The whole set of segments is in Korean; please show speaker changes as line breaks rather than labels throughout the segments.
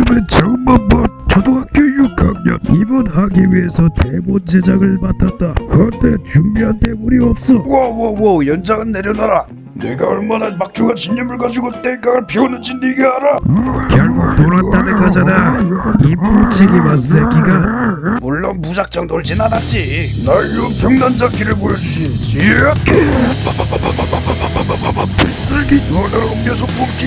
그러면 정만번 초등학교 6학년 입원하기 위해서 대본 제작을 맡았다. 그런데 준비한 대본이 없어.
워워워 연장은 내려놔라. 내가 얼마나 막중한 신념을 가지고 땡깡을 피우는지 네가 알아?
결국 돌았다는 거잖아. 이 뿔치기만 새끼가.
물론 무작정 놀진 않았지. 나의 엄청난 잡기를 보여주시지. 필살기 너는 음료수 뿜기.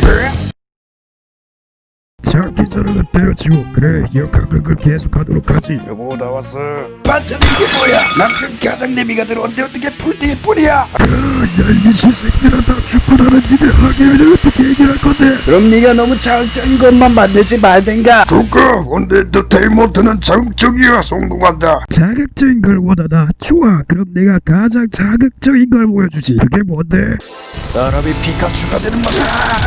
잡기 저러는 때려치고 그래 역학극을 계속하도록 하지.
여보 나왔어. 반찬 이게 뭐야? 남편 가장내미가 들어온데 어떻게 풀떼일 뿐이야?
얄미 신새끼들아 다 죽고 나면 니들 하기를 어떻게 얘기할 건데.
그럼 네가 너무 자극적인 것만 만들지 말든가. 좋까. 근데 엔터테인먼트는 자극적이야. 성공한다.
자극적인 걸 원하다. 좋아 그럼 내가 가장 자극적인 걸 보여주지. 그게 뭔데?
사람이 피카츄가 되는 맛.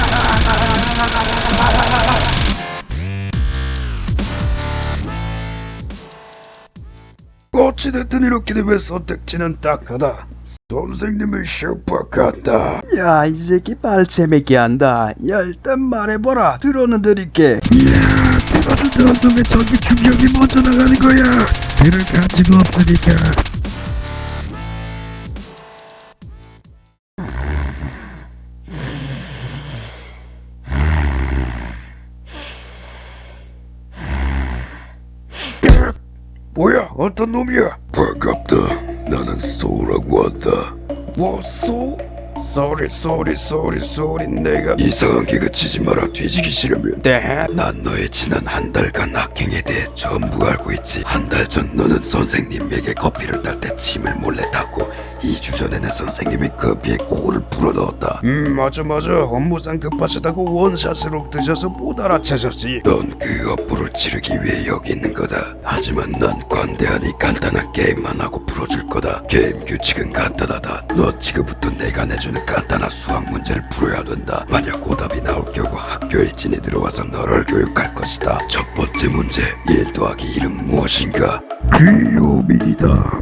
어찌됐든 이렇게 되면 선택지는 딱하다. 선생님의 슈퍼 같다. 야, 이 새끼 말 재밌게 한다. 야, 일단 말해봐라. 들어는 드릴게.
이야 들어준다면서 왜 전기 충격이 먼저 나가는 거야. 들을 가치도 없으니까.
뭐야? 어떤 놈이야?
반갑다. 나는 소라고 한다.
뭐, 소? 쏘리 내가
이상한 개그 치지 마라. 뒤지기 싫으면.
네?
난 너의 지난 한 달간 악행에 대해 전부 알고 있지. 한 달 전 너는 선생님에게 커피를 딸 때 침을 몰래 탔고 2주 전에는 선생님이 커피에 코를 불어넣었다.
맞아 업무상 급하시다고 원샷으로 드셔서 못 알아채셨지.
넌 그 업보를 치르기 위해 여기 있는 거다. 하지만 난 관대하니 간단한 게임만 하고 풀어줄 거다. 게임 규칙은 간단하다. 너 지금부터 내가 내주는 간단한 수학 문제를 풀어야 된다. 만약 오답이 나올 경우 학교 일진이 들어와서 너를 교육할 것이다. 첫 번째 문제, 1 더하기 1은 무엇인가?
귀요미다.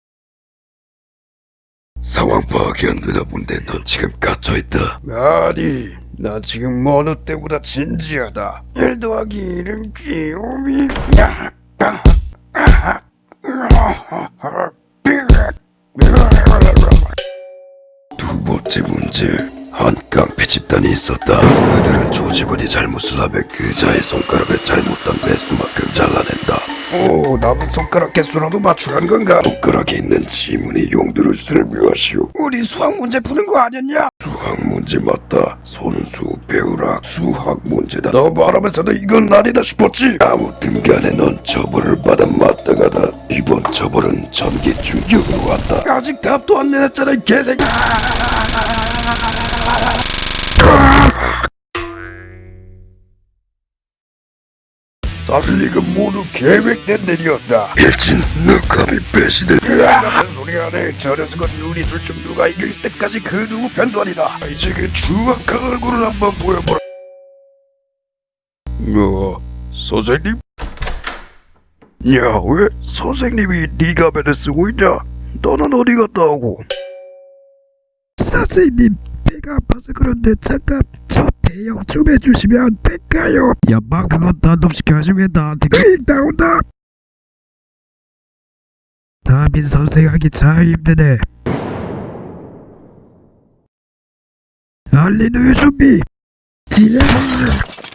상황 파악이 안 되나 본데 넌 지금 갇혀있다.
아니, 나 지금 어느 때보다 진지하다. 1 더하기 1은 귀요미.
두 번째 문제, 한 깡패 집단이 있었다. 그들은 조직원이 잘못을 하면 그자의 손가락을 잘못한 매수만큼 잘라낸다.
오, 남은 손가락 개수라도 맞추라는 건가?
손가락에 있는 지문의 용도를 설명하시오.
우리 수학 문제 푸는 거 아니었냐?
수학 문제 맞다. 손수 배우라. 수학 문제다.
너 말하면서도 이건 아니다 싶었지?
아무튼 간에 넌 처벌을 받아 마땅하다. 이번 처벌은 전기 충격으로 왔다.
아직 답도 안 내놨잖아, 이 개새끼. 달리가 모두 계획된 일이었다.
일진, 너 감히 배신을.
같은 소리 안해. 저 녀석은 우리 둘 중 누가 이길 때까지 그 누구 편도 아니다.
이제 그 추악한 얼굴을 한번 보여보라. 선생님? 야, 왜 선생님이 네 가면을 쓰고 있냐? 너는 어디 갔다 오고?
선생님 배가 아파서 그런데 잠깐 저 대형 좀 해주시면 안 될까요? 야마 그건 단독시켜야지 왜 나한테 나온다. 담임 선생 하기 참 힘드네. 알린 우유 준비. 지레.